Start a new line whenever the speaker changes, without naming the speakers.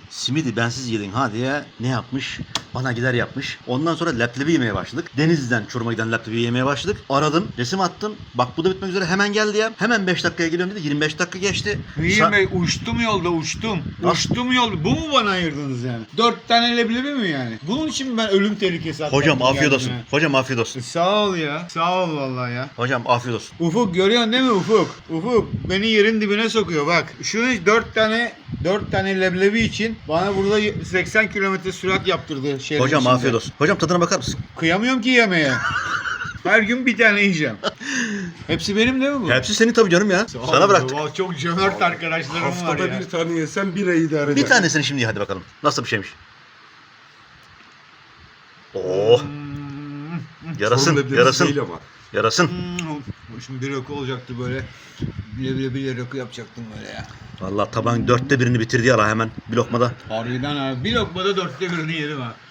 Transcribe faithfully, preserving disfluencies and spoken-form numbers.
simidi bensiz yedin ha diye ne yapmış? Bana gider yapmış. Ondan sonra leblebi yemeye başladık. Denizli'den Çorum'a giden leblebi yemeye başladık. Aradım, resim attım. Bak bu da bitmek üzere, hemen gel diye. Hemen beş dakikaya geliyorum dedi. yirmi beş dakika geçti.
Niye
Sa-
be? Uçtum yolda uçtum.
Nasıl?
Uçtum yolda. Bu mu bana ayırdınız yani? Dört tane leblebi mi yani? Bunun için mi ben ölüm tehlikesi atlattım?
Hocam afiyet
geldim
olsun.
ya?
Hocam afiyet olsun.
Sağ ol ya. Sağ ol vallahi ya.
Hocam afiyet olsun.
Ufuk görüyorsun değil mi Ufuk? Ufuk beni yerin dibine sokuyor bak. Şu dört tane dört tane leblebi için bana burada seksen kilometre sürat yaptırdı şehrin
Hocam
içinde.
afiyet olsun. Hocam tadına bakar mısın?
Kıyamıyorum ki yemeye. Her gün bir tane yiyeceğim. Hepsi benim değil mi bu?
Hepsi senin tabii canım ya.
Sağ ol,
Sana bıraktık.
vallahi çok cömert arkadaşlarım var
Haftada
ya.
bir tane yesen bir ay idare eder.
Bir tanesini şimdi ye hadi bakalım. Nasıl bir şeymiş? Oh,
Hmm,
yarasın,
Sorun leblebisi
yarasın,
değil ama.
yarasın.
hmm. Şimdi bir rakı olacaktı böyle. Leblebiyle rakı yapacaktım böyle ya.
Vallahi tabağın dörtte birini bitirdi ya la hemen bir lokmada.
Harbiden abi. Bir lokmada dörtte birini yedim ha.